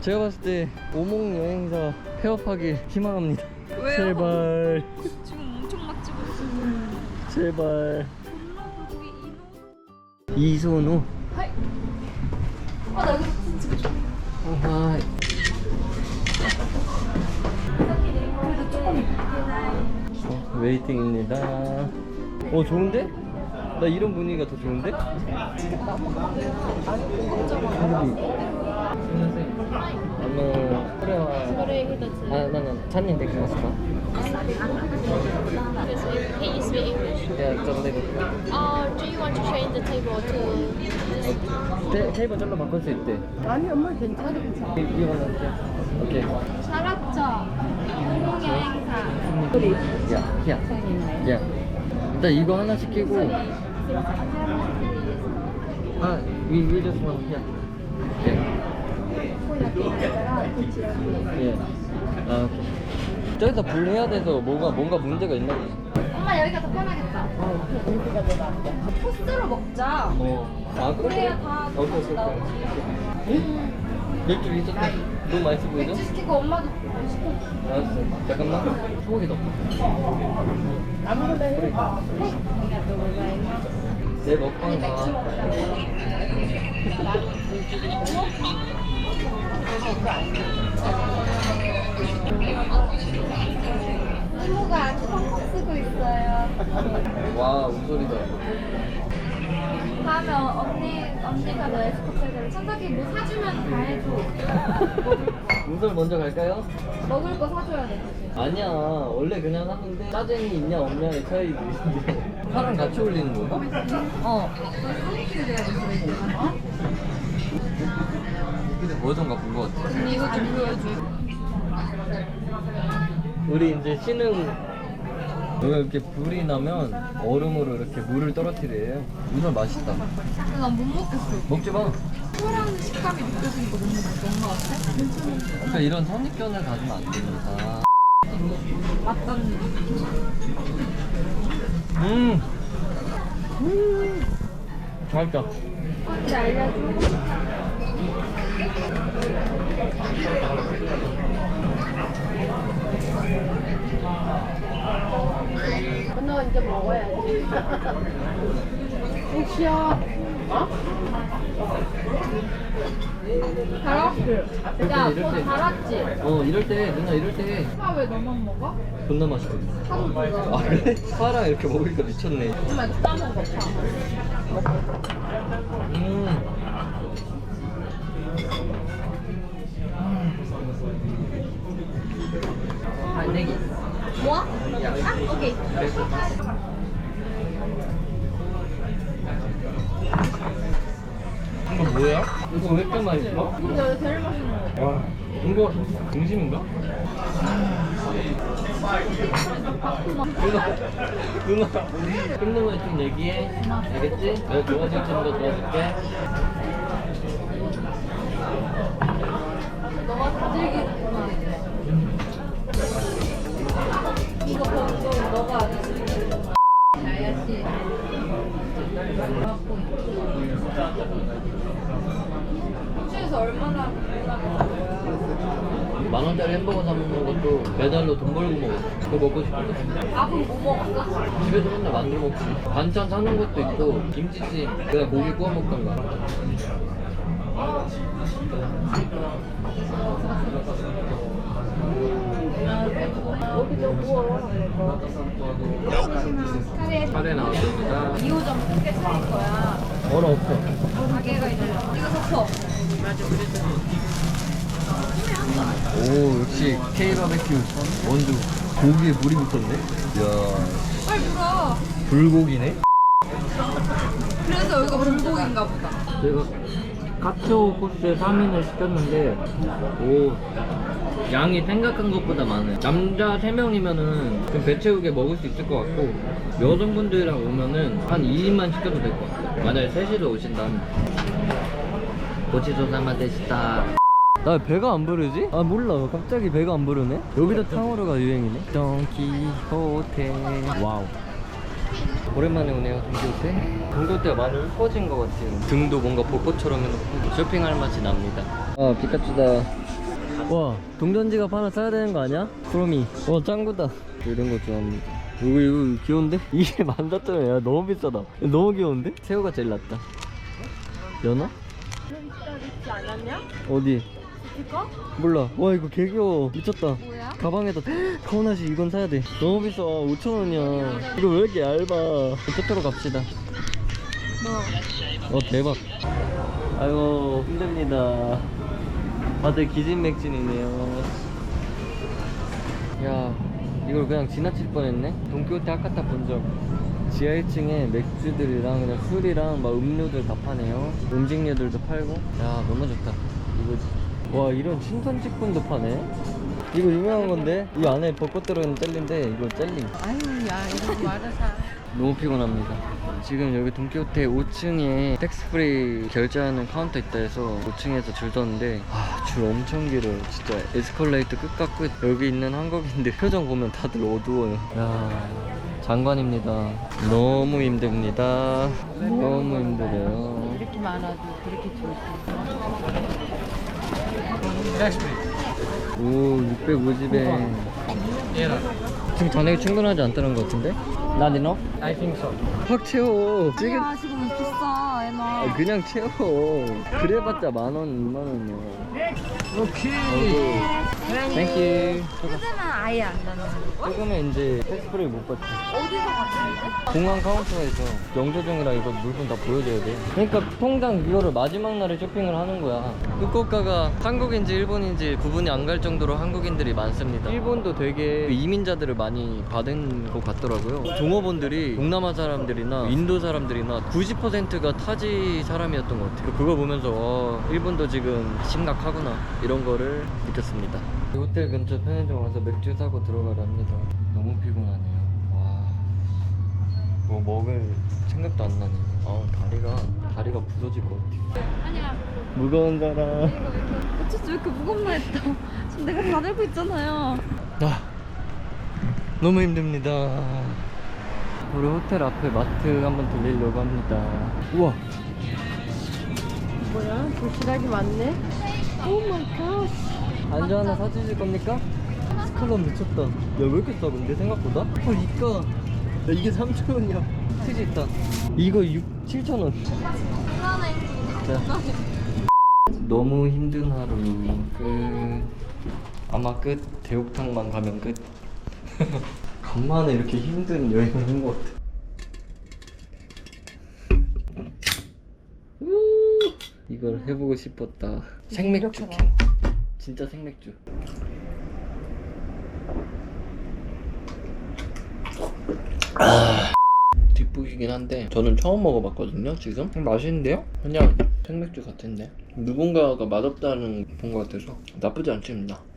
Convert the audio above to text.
제가 봤을 때 오목 여행사 폐업하기 희망합니다. 왜요? 제발 지금 엄청 맛집을 제발. 거기 이소노. 하이. 나 여기서 사진 찍어줘. 하이. 그래도 조금 웨이팅입니다. 좋은데? 나 이런 분위기가 더 좋은데? Sorry, he doesn't. 찬님 되겠습니까? Can you speak English? 야, 좀 내고. Do you want to change the table to? 테이블 절로 바꿀 수 있대. 아니 엄마 괜찮아. 이거 넣을게. 오케이. 살았죠? 항공여행사. 야. 일단 이거 하나 시키고. we just want here. 예. 오케이. 저기서 불해야 돼서 뭔가 문제가 있나 보지. 엄마 여기가 더 편하겠다. 코스로 먹자. 그래? 그래야 다 오케이. 맥주 있었다. 너무 맛있어 보이죠? 맥주 시키고 엄마도 시켜. 알았어. 잠깐만. 소고기 넣고. 아무거나 해. 내 먹방 봐. 이모가 아주 펑펑 쓰고 있어요. 와, 웃소리다. 다음에 언니가 너 에스코트를 천석이 뭐 사주면 다 해줘. 웃소리 먼저 갈까요? 먹을 거 사줘야 돼. 아니야. 원래 그냥 하는데 짜증이 있냐 없냐의 차이도 있는데. 파랑 같이 올리는 건가? 소개팅이 돼야겠어, 이제. 근데 뭐던가 본 것 같아. 언니 이거 좀 보여줘. 우리 이제 신흥 여기가 이렇게 불이 나면 얼음으로 이렇게 물을 떨어뜨려요. 우선 맛있다. 근데 난 못 먹겠어. 먹지 마. 소라는 식감이 느껴지니까 못 먹는 것 같아? 그러니까 이런 선입견을 가지면 안 됩니다. 맞다니. 맛있다. 언니 알려줘. 너 이제 먹어야지. 혹시야? 달았지? 야, 이럴 너 때. 달았지? 이럴 때 누나 이럴 때 파 왜 너만 먹어? 존나 맛있거든. 파도 먹어. 아 그래? 파랑 이렇게 먹으니까 미쳤네. 엄마 이거 따먹어, 파. 내기. 뭐? 오케이. 이거 뭐야? 이거 왜 이렇게 맛있어? 근데 여기 제일 맛있는 거. 와, 이거 등심인가? 누나 끝내면 좀 얘기해. 알겠지? 내가 좋아질 정도 도와줄게. 너가 다질기구나. 이거 보고 너가 안 했으면 야야씨. 호주에서 얼마나 불나겠어. 10,000원짜리 햄버거 사 먹는 것도 매달로 돈 벌고 먹었어. 그거 먹고 싶은데 밥은 뭐 먹었어? 집에서 맨날 만들어 먹지. 반찬 사는 것도 있고 김치찜 그냥 고기 구워 먹던가. 여기도 구워. 카레 나왔습니다. 2호점 크게 차릴 거야. 얼어 없어. 가게가 있어. 이거 좋죠? 오 역시 K 바베큐 원두. 고기에 물이 붙었네. 이야 빨리 물어. 불고기네. 그래서 여기가 불고기인가 보다. 저희가 카츠오 코스에 3인을 시켰는데 오 양이 생각한 것보다 많아요. 남자 3명이면은 좀 배 채우게 먹을 수 있을 것 같고 여성분들이랑 오면은 한 2인만 시켜도 될 것 같아요. 만약에 셋이서 오신다면 고치조사마 되시다. 나 배가 안 부르지? 아 몰라 갑자기 배가 안 부르네. 여기도 탕후루가 유행이네. 돈키호테. 와우 오랜만에 오네요. 동교태. 동교태가 많이 이뻐진 것 같아요. 등도 뭔가 벚꽃처럼 해놓고 쇼핑할 맛이 납니다. 아 피카츄다. 와, 동전지갑 하나 사야 되는 거 아니야? 크로미. 와, 짱구다. 이런 거 좋아합니다. 이거 귀여운데? 이게 14,000원이야. 너무 비싸다. 너무 귀여운데? 새우가 제일 낫다. 연어? 있지 않았냐? 어디? 이거? 몰라. 와, 이거 개 귀여워. 미쳤다. 뭐야? 가방에다 카오나시 이건 사야 돼. 너무 비싸. 5,000원이야. 이거 왜 이렇게 얇아? 토토로 갑시다. 대박. 아이고, 힘듭니다. 다들 기진맥진이네요. 야, 이걸 그냥 지나칠 뻔했네. 돈키호테 아카타 본점. 지하 1층에 맥주들이랑 그냥 술이랑 막 음료들 다 파네요. 음식료들도 팔고. 야, 너무 좋다. 이거, 와, 이런 신선식품도 파네. 이거 유명한 건데, 이 안에 벚꽃 들어있는 젤리인데 이거 젤리. 아유, 야, 이거 말아 사. 너무 피곤합니다. 지금 여기 돈키호테 5층에 텍스프리 결제하는 카운터 있다 해서 5층에서 줄 섰는데 줄 엄청 길어요. 진짜 에스컬레이터 끝과 끝. 여기 있는 한국인들 표정 보면 다들 어두워요. 야, 장관입니다. 너무 힘듭니다. 너무 힘들어요. 이렇게 많아도 그렇게 좋지. 오, 650엔. 지금 잔액이 충분하지 않다는 것 같은데? Not enough? I think so. 확 채워. 지금 야 지금 비싸 애나. 그냥 채워. 그래봤자 10,000원, 20,000원이야. 오케이. 땡큐. 요즘은 아예 안 나는 거? 조금은 이제 텍스프리 못 받지. 어디서 갔는데? 공항 카운터에서 영조증이랑 이거 물건 다 보여줘야 돼. 그러니까 통장 이거를 마지막 날에 쇼핑을 하는 거야. 후쿠오카가 한국인지 일본인지 구분이 안 갈 정도로 한국인들이 많습니다. 일본도 되게 이민자들을 많이 받은 것 같더라고요. 종업원들이 동남아 사람들이나 인도 사람들이나 90%가 타지 사람이었던 것 같아요. 그거 보면서 일본도 지금 심각하구나 이런 거를 느꼈습니다. 호텔 근처 편의점 와서 맥주 사고 들어가랍니다. 너무 피곤하네요. 와, 뭐 먹을 생각도 안 나네. 다리가 부서질 것 같아. 아니야. 무거운 사람. 어쩌지 왜 이렇게 무겁나 했다. 지금 내가 다 들고 있잖아요. 너무 힘듭니다. 우리 호텔 앞에 마트 한번 들리려고 합니다. 우와, 뭐야? 도시락이 많네? 오 마이 갓. 안주 하나 사주실 겁니까? 스칼럼 미쳤다. 야, 왜 이렇게 싸 근데 생각보다? 헐, 이까. 야, 이게 3,000원이야. 치즈 있다. 이거 7,000원. 자. 너무 힘든 하루 끝. 아마 끝. 대욕탕만 가면 끝. 간만에 이렇게 힘든 여행을 한 것 같아. 이걸 해보고 싶었다. 생맥주 캔. 진짜 생맥주. 뒷북이긴 한데 저는 처음 먹어봤거든요. 지금 맛있는데요? 그냥 생맥주 같은데 누군가가 맛없다는 본 것 같아서 나쁘지 않습니다.